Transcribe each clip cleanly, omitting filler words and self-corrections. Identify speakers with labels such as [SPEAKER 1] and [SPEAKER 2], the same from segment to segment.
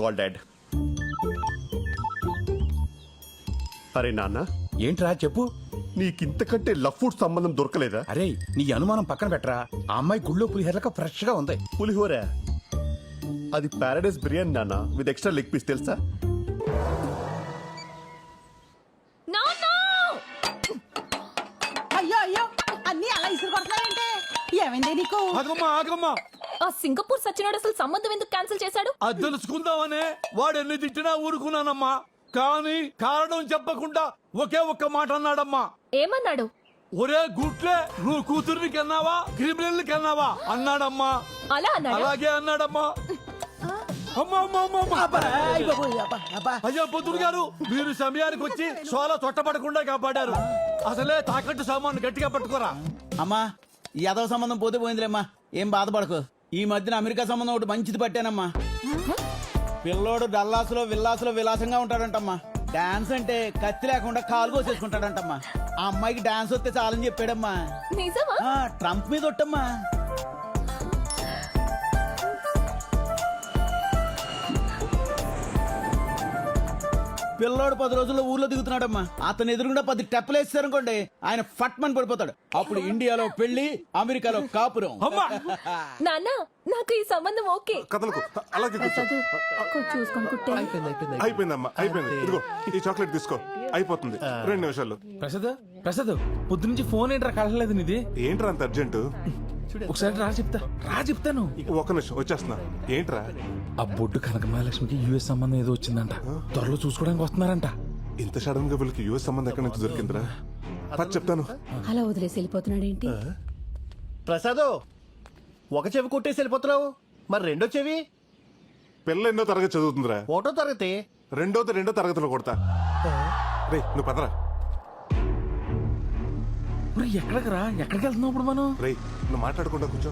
[SPEAKER 1] Call dad. అరే నాన్న,
[SPEAKER 2] ఏంట్రా చెప్పు.
[SPEAKER 1] నీకింతకంటే లవ్ ఫుడ్ సంబంధం దొరకలేదా?
[SPEAKER 2] అరే నీ అనుమానం పక్కన పెట్టరా. ఆ అమ్మాయి గుళ్ళో పులిహోరక ఫ్రెష్ గా ఉంది.
[SPEAKER 1] పులిహోర అది పారాడైస్ బిర్యానీ నాన్న, విత్ ఎక్స్ట్రా లెగ్ పీస్ తెలుసా?
[SPEAKER 3] అయ్యో అయ్యో అన్ని అలా ఇసురు కొడతావేంటే? ఏమైంది నీకు?
[SPEAKER 4] ఆగమ్మా
[SPEAKER 5] ఆ సింగపూర్ సచ్చినోడు అసలు సంబంధం ఎందుకు క్యాన్సిల్ చేశాడు?
[SPEAKER 4] అది తెలుసుకుందామనే వాడు ఎన్ని తిట్టినా ఊరుకున్నానమ్మా. కానీ కారణం చెప్పకుండా ఒకే ఒక్క మాట అన్నాడమ్మా.
[SPEAKER 5] ఏమన్నాడు?
[SPEAKER 4] ఒరే గుట్లే, నువ్వు కూతుర్ని కన్నావా క్రిమినల్ కన్నావా అన్నాడమ్మా.
[SPEAKER 5] అలా అన్నాడు.
[SPEAKER 4] అలాగే అన్నాడమ్మా. అమ్మా అమ్మా అమ్మా అమ్మా. అయ్యా పొద్దురు గారు, మీరు సమయానికి వచ్చి సోలా తొట్టపడకుండా కాపాడారు. అసలే తాకట్టు సామాను గట్టిగా పట్టుకోరా.
[SPEAKER 6] అమ్మా ఈ యాదవ సంబంధం పోతే పోయిందిలేమ్మా, ఏం బాధపడకు. ఈ మధ్యన అమెరికా సంబంధం ఒకటి మంచిది పట్టానమ్మా. పిల్లోడు డల్లాసులో విల్లాసులో విలాసంగా ఉంటాడంటమ్మా. డాన్స్ అంటే కత్తి లేకుండా కాలు కోసేసుకుంటాడంటమ్మా. ఆ అమ్మాయికి డాన్స్ వస్తే చాలని చెప్పాడమ్మా.
[SPEAKER 5] నిజమా?
[SPEAKER 6] ట్రంప్ మీద ఒట్టమ్మా. పిల్లోడు 10 రోజుల్లో ఊర్లో దిగుతున్నాడమ్మా. అతను ఎదురుగుండా 10 టెప్పలు వేస్తారనుకోండి, ఆయన ఫట్ మని పడిపోతాడు. అప్పుడు ఇండియాలో పెళ్లి, అమెరికాలో కాపురం.
[SPEAKER 5] నాన్న నాకు ఈ సంబంధం ఓకే.
[SPEAKER 7] కథలకు అలాగే కూర్చో.
[SPEAKER 5] చూసుకొని కుట్టే.
[SPEAKER 7] అయిపోయిందమ్మా, అయిపోయింది. ఇదిగో ఈ చాక్లెట్ తీసుకో, అయిపోతుంది 2 నిమిషాలు.
[SPEAKER 2] ప్రసాద్ పొద్దు నుంచి ఫోన్ ఏంట్రా కలలేదు నీది?
[SPEAKER 7] ఏంట్రా అంత అర్జెంటు?
[SPEAKER 2] ఒకసారి చెప్తాను.
[SPEAKER 7] ఒక్క నిమిషం వచ్చేస్తున్నా. ఏంట్రా?
[SPEAKER 2] ఆ బొడ్డు కనక మహాలక్ష్మికి యుఎస్ సంబంధం ఏదో వచ్చిందంట. త్వరలో చూసుకోవడానికి వస్తున్నారంట.
[SPEAKER 7] ఇంత సడన్ గా వీళ్ళకి యుఎస్ సంబంధం ఎక్కడి నుంచి దొరికిందిరా? చెప్తాను.
[SPEAKER 3] అలా వదిలేసి వెళ్ళిపోతున్నాడు ఏంటి?
[SPEAKER 1] ప్రసాదో, ఒక చెవి కొట్టేసి వెళ్ళిపోతున్నావు, మరి రెండో చెవి?
[SPEAKER 7] పిల్ల ఎన్నో తరగతి చదువుతుందిరా?
[SPEAKER 1] 1వ తరగతి.
[SPEAKER 7] రెండో తరగతిలో కొడతా. రే నువ్వు పదరా.
[SPEAKER 2] ఎక్కడికి వెళ్తున్నావు ఇప్పుడు మనం?
[SPEAKER 7] రే నువ్వు మాట్లాడకుండా కూర్చో.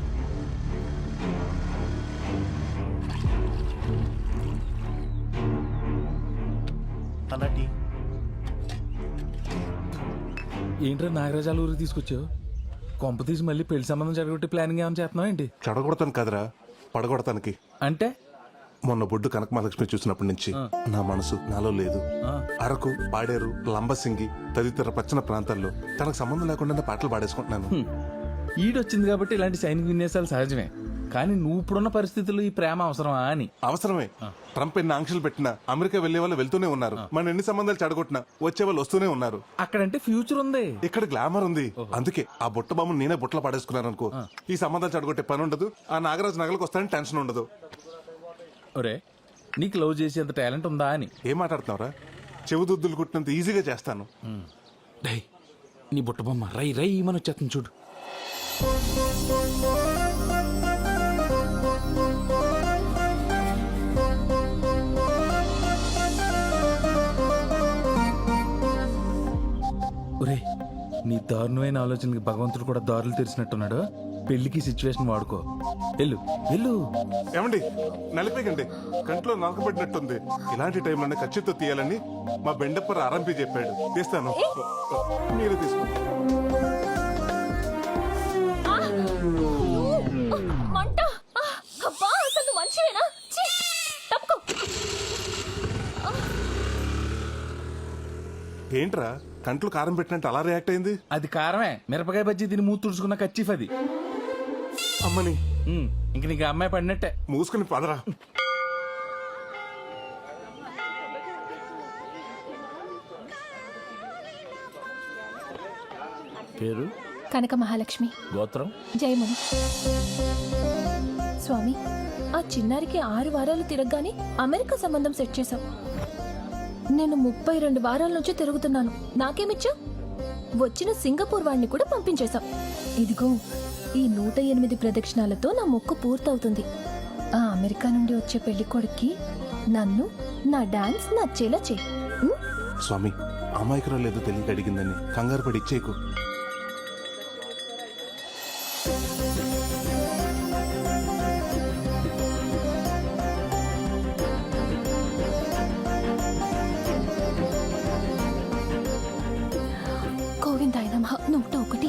[SPEAKER 1] అన్నటి
[SPEAKER 2] ఏంట్రా నాగరాజాల ఊరికి తీసుకొచ్చావు? కొంప తీసి మళ్ళీ పెళ్లి సంబంధం జరగొట్టి ప్లానింగ్ ఏమైనా చేస్తున్నావు ఏంటి?
[SPEAKER 7] చెడగొడతాను కదరా, పడగొడతానికి.
[SPEAKER 2] అంటే
[SPEAKER 7] మొన్న బొడ్డు కనక మహాలక్ష్మి చూసినప్పటి నుంచి నా మనసు నాలో లేదు. అరకు, పాడేరు, లంబసింగి తదితర పచ్చన ప్రాంతాల్లో తనకు సంబంధం లేకుండా పాటలు పాడేసుకుంటున్నాను.
[SPEAKER 2] ఈడొచ్చింది కాబట్టి ఇలాంటి సైనిక విన్యాసాలు సహజమే. కానీ నువ్వు ఇప్పుడున్న పరిస్థితుల్లో ఈ ప్రేమ అవసరమా అని.
[SPEAKER 7] అవసరమే. ట్రంప్ ఎన్ని ఆంక్షలు పెట్టినా అమెరికా వెళ్లే వాళ్ళు వెళ్తూనే ఉన్నారు. మన ఎన్ని సంబంధాలు చెడగొట్టినా వచ్చే వాళ్ళు వస్తూనే ఉన్నారు.
[SPEAKER 2] అక్కడంటే ఫ్యూచర్ ఉంది,
[SPEAKER 7] ఇక్కడ గ్లామర్ ఉంది. అందుకే ఆ బుట్ట బొమ్మను నేనే బుట్టలో పాడేసుకున్నాను అనుకో, ఈ సంబంధాలు చెడగొట్టే పని ఉండదు. ఆ నాగరాజు నగలకు వస్తానని టెన్షన్ ఉండదు.
[SPEAKER 2] ఒరే నీకు లవ్ చేసేంత టాలెంట్ ఉందా అని.
[SPEAKER 7] ఏం మాట్లాడుతున్నావురా? చెవుదుద్దులు కుట్టినంత ఈజీగా చేస్తాను.
[SPEAKER 2] డై నీ బుట్ట బొమ్మ రై మన వచ్చేస్తుంది చూడు. ఒరే నీ దారుణమైన ఆలోచనకి భగవంతుడు కూడా దారులు తెరిచినట్టున్నాడు. పెళ్లికి సిచ్యువేషన్ వాడుకో. వెళ్ళు.
[SPEAKER 7] ఏమండి నలిపేకండి, కంట్లో నలకబడినట్టుంది. ఇలాంటి టైంలోనే ఖచ్చితంగా తీయాలని మా బెండప్పర్ ఆరంభి చెప్పాడు. తీస్తాను, మీరే తీసుకోండి.
[SPEAKER 5] మంట! అబ్బా అసలు నువ్వు మంచివేనా? తప్పుకో.
[SPEAKER 7] ఏంట్రా కంట్లో కారం పెట్టినట్టు అలా రియాక్ట్ అయింది?
[SPEAKER 2] అది కారమే. మిరపకాయ బజ్జీ తిని మూతి తుడుచుకున్న కచ్చిఫ్ అది.
[SPEAKER 7] అమ్మని
[SPEAKER 2] ఇంక నీకు అమ్మాయి పడినట్టే.
[SPEAKER 7] మూసుకుని పదరా.
[SPEAKER 1] పేరు
[SPEAKER 5] కనక మహాలక్ష్మి.
[SPEAKER 1] గోత్రం
[SPEAKER 5] జయముని. స్వామి, ఆ చిన్నారికి 6 వారాలు తిరగగానే అమెరికా సంబంధం సెట్ చేశాం. నేను 32 వారాల నుంచి తిరుగుతున్నాను. నాకేమిచ్చా? వచ్చిన సింగపూర్ వాడిని కూడా పంపించేశాం. ఇదిగో ఈ 108 ప్రదక్షిణాలతో నా మొక్కు పూర్తవుతుంది. ఆ అమెరికా నుండి వచ్చే పెళ్లి కొడుక్కి నన్ను, నా డాన్స్ నచ్చేలా చేయి.
[SPEAKER 7] స్వామి, అమాయకురాలు ఏదో తెలియక అడిగిందని కంగారు పడి ఇచ్చేయకు.
[SPEAKER 5] గోవిందాయ నమః. 101,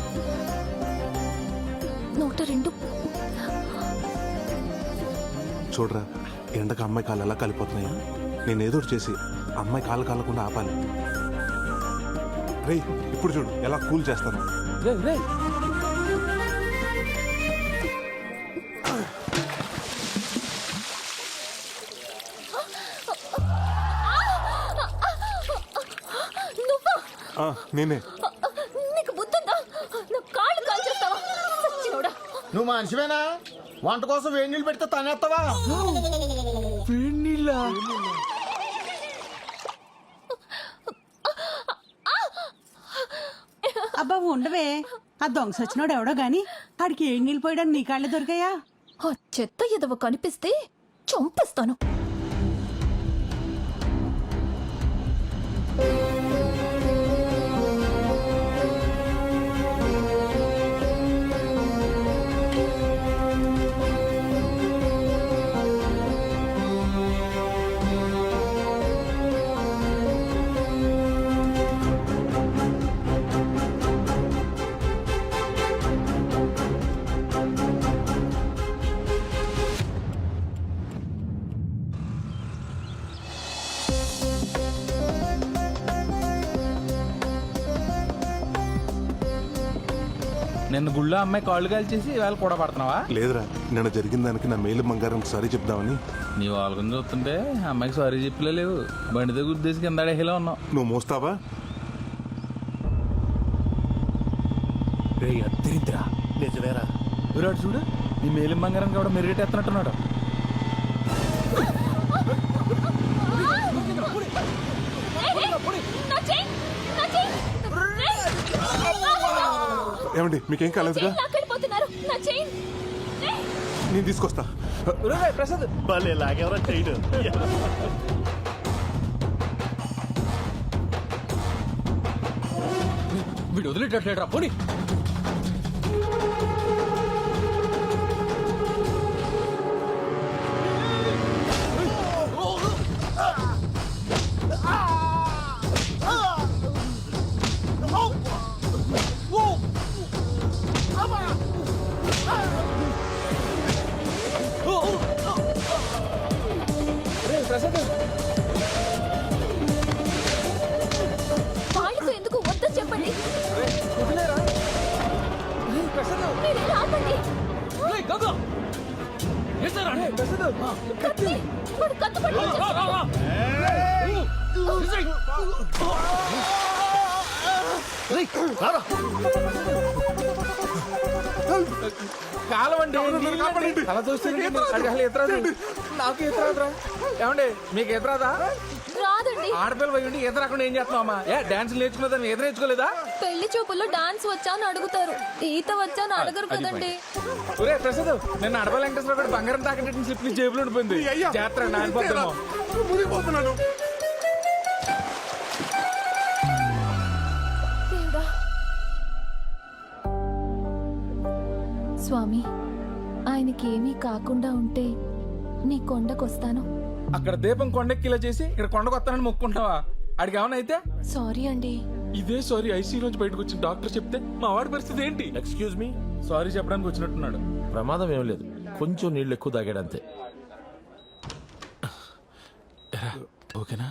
[SPEAKER 5] 102.
[SPEAKER 7] చూడరా ఎండకు అమ్మాయి కాళ్ళు ఎలా కాలిపోతున్నాయా నేను ఏదో ఒకటి చేసి అమ్మాయి కాళ్ళు కాలకుండా ఆపాలి. రేయ్ ఇప్పుడు చూడు ఎలా కూల్ చేస్తాను.
[SPEAKER 2] రేయ్, రేయ్.
[SPEAKER 5] నువ్వా?
[SPEAKER 7] నేనే.
[SPEAKER 5] నీకు బుద్ధుందా? నా కాళ్ళు కాల్చేస్తావా? సచ్చినోడా.
[SPEAKER 1] నువ్వు మనిషివేనా? వంట కోసం వేడి నీళ్ళు పెడితే తనేస్తావా?
[SPEAKER 2] వేడినీళ్ళా?
[SPEAKER 3] అబ్బా ఉండవే, ఆ దొంగ సచ్చినోడు ఎవడో గాని ఆడికి ఏడు నీళ్ళు పోయడానికి నీ కాళ్ళే దొరికాయా?
[SPEAKER 5] ఆ చెత్త ఎదవ కనిపిస్తే చంపేస్తాను.
[SPEAKER 2] నిన్న గుళ్ళో అమ్మాయి కాళ్ళు కాల్చేసి ఇవాళ కూడా పడుతున్నావా?
[SPEAKER 7] లేదురా నిన్న జరిగిన దానికి నా మేలు బంగారం సారీ చెప్దామని.
[SPEAKER 2] నీ వాళ్ళని చూస్తుంటే అమ్మాయికి సారీ చెప్పలే లేవు. బండితో గుద్దేసి కింద అడేలా ఉన్నావు.
[SPEAKER 7] నువ్వు మోస్తావా?
[SPEAKER 2] రే అద్దరిద్రా.
[SPEAKER 1] నిజమేరా.
[SPEAKER 2] విరాడు చూడు, నీ మేలిం బంగారం కూడా మెరుగెట్టేస్తున్నట్టున్నాడు.
[SPEAKER 5] నా చెయ్యి, నా చెయ్యి.
[SPEAKER 7] ఏమండి మీకేం కాలేదుగా?
[SPEAKER 5] లాక్కెళ్ళిపోతున్నారు. నా చెయ్యి.
[SPEAKER 7] నేను తీసుకొస్తా.
[SPEAKER 2] ప్రసాద్
[SPEAKER 1] భలే లాగేవరా చేయడు.
[SPEAKER 2] వీడు వదిలేటట్లేడు రా పోనీ.
[SPEAKER 5] వాళ్ళతో ఎందుకు వద్దని చెప్పండి. మీరేం ఆపండి. కత్తి. వాడు కత్తి పట్టుకొచ్చేస్తాడు.
[SPEAKER 2] కాలవండి అలా చూస్తే నాకు ఎదురాదురా. ఏమండి మీకు ఎదురాదా?
[SPEAKER 5] రాదండి.
[SPEAKER 2] ఆడపిల్ల పోయి ఈత రాకుండా ఏం చేస్తున్నావు అమ్మా? డాన్స్ నేర్చుకున్నదని ఈత నేర్చుకోలేదా?
[SPEAKER 5] పెళ్లి చూపుల్లో డాన్స్ వచ్చా అని అడుగుతారు, ఈత వచ్చా అని అడగరు కదండి.
[SPEAKER 2] ఒరే ప్రసాద్, నిన్న అడవ వెంకటేశ్వర కూడా బంగారం తాకట్టు స్లిప్ జేబులో ఉండిపోయింది. జాతర నానిపోతామో.
[SPEAKER 7] మునిగిపోతున్నాను.
[SPEAKER 5] దేవుడా. స్వామి, ఆయనకేమీ కాకుండా ఉంటే నీ కొండకొస్తాను.
[SPEAKER 2] అక్కడ దీపం కొండెక్కిలా చేసి ఇక్కడ కొండకు వస్తానని మొక్కుంటావా? అడిగి ఏమన్నా అయితే?
[SPEAKER 5] సారీ అండి.
[SPEAKER 2] ఇదే సారీ ఐసీ నుంచి బయటకు వచ్చిన డాక్టర్ చెప్తే మా వాడి పరిస్థితి ఏంటి?
[SPEAKER 8] ఎక్స్క్యూజ్ మీ,
[SPEAKER 2] సారీ చెప్పడానికి వచ్చినట్టున్నాడు.
[SPEAKER 8] ప్రమాదం ఏం లేదు, కొంచెం నీళ్ళు ఎక్కువ తాగాడంతే.
[SPEAKER 2] ఓకేనా?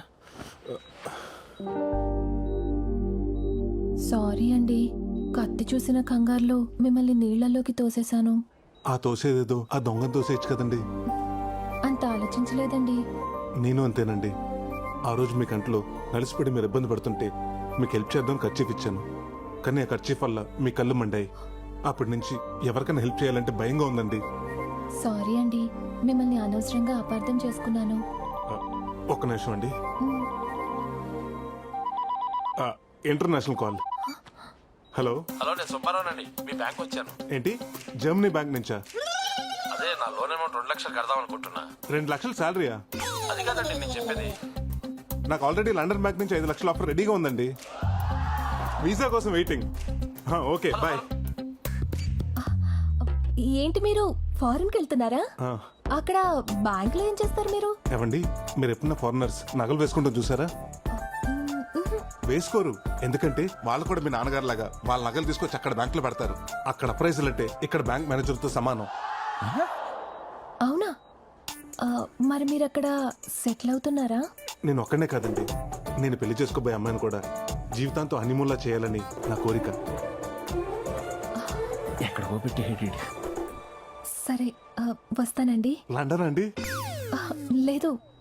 [SPEAKER 5] సారీ అండి, కత్తి చూసిన కంగారులో మిమ్మల్ని నీళ్లలోకి తోసేశాను.
[SPEAKER 7] ఆ తోసేదేదో ఆ దొంగను తోసేయచ్చు కదండి.
[SPEAKER 5] అంత ఆలోచించలేదండి.
[SPEAKER 7] నేను అంతేనండి. ఆ రోజు మీ కంట్లో నలిసిపడి మీరు ఇబ్బంది పడుతుంటే మీకు హెల్ప్ చేద్దాం ఖర్చీఫ్ ఇచ్చాను. కానీ ఆ ఖర్చీఫ్ వల్ల మీ కళ్ళు మండాయి. అప్పటి నుంచి ఎవరికైనా హెల్ప్ చేయాలంటే భయంగా ఉందండి.
[SPEAKER 5] సారీ అండి, మిమ్మల్ని అనవసరంగా అపార్థం చేసుకున్నాను.
[SPEAKER 7] ఒక్క నిమిషం అండి. International call. హలో.
[SPEAKER 8] హలో, నేను సుబ్బారావునండి. మీ బ్యాంక్ వచ్చాను.
[SPEAKER 7] ఏంటి జర్మనీ బ్యాంక్ నుంచా?
[SPEAKER 8] అదే నా లోన్ అమౌంట్ 2 లక్షలు కడదాం అనుకుంటున్నా.
[SPEAKER 7] 2 లక్షలు శాలరీయా?
[SPEAKER 8] అది కాదండి నేను చెప్పేది.
[SPEAKER 7] నాకు ఆల్రెడీ లండన్ బ్యాంక్ నుంచి 5 లక్షల ఆఫర్ రెడీగా ఉందండి. వీసా కోసం వెయిటింగ్. Okay bye.
[SPEAKER 5] ఏంటి మీరు ఫారెన్కి వెళ్తున్నారా? అక్కడ బ్యాంక్ లో ఏం చేస్తారు మీరు?
[SPEAKER 7] ఏవండి మీరు ఎప్పుడన్నా ఫారినర్స్ నగలు వేసుకుంటాం చూసారా? వేసుకోరు. ఎందుకంటే వాళ్ళు కూడా మీ నాన్నగారు లాగా వాళ్ళ నగలు తీసుకొచ్చి అక్కడ బ్యాంక్ లో పెడతారు. అక్కడ ప్రైజులు అంటే ఇక్కడ బ్యాంక్ మేనేజర్ తో సమానం.
[SPEAKER 5] అవునా? మరి మీరు అక్కడ సెటిల్ అవుతున్నారా?
[SPEAKER 7] నేను ఒక్కనే కాదండి, నేను పెళ్లి చేసుకోబోయే అమ్మాయిని కూడా జీవితాంతో హనీమూన్లా చేయాలని నా కోరిక.
[SPEAKER 1] ఎక్కడికో పెట్టి
[SPEAKER 5] సరే వస్తానండి.
[SPEAKER 7] లండన్ అండి?
[SPEAKER 5] లేదు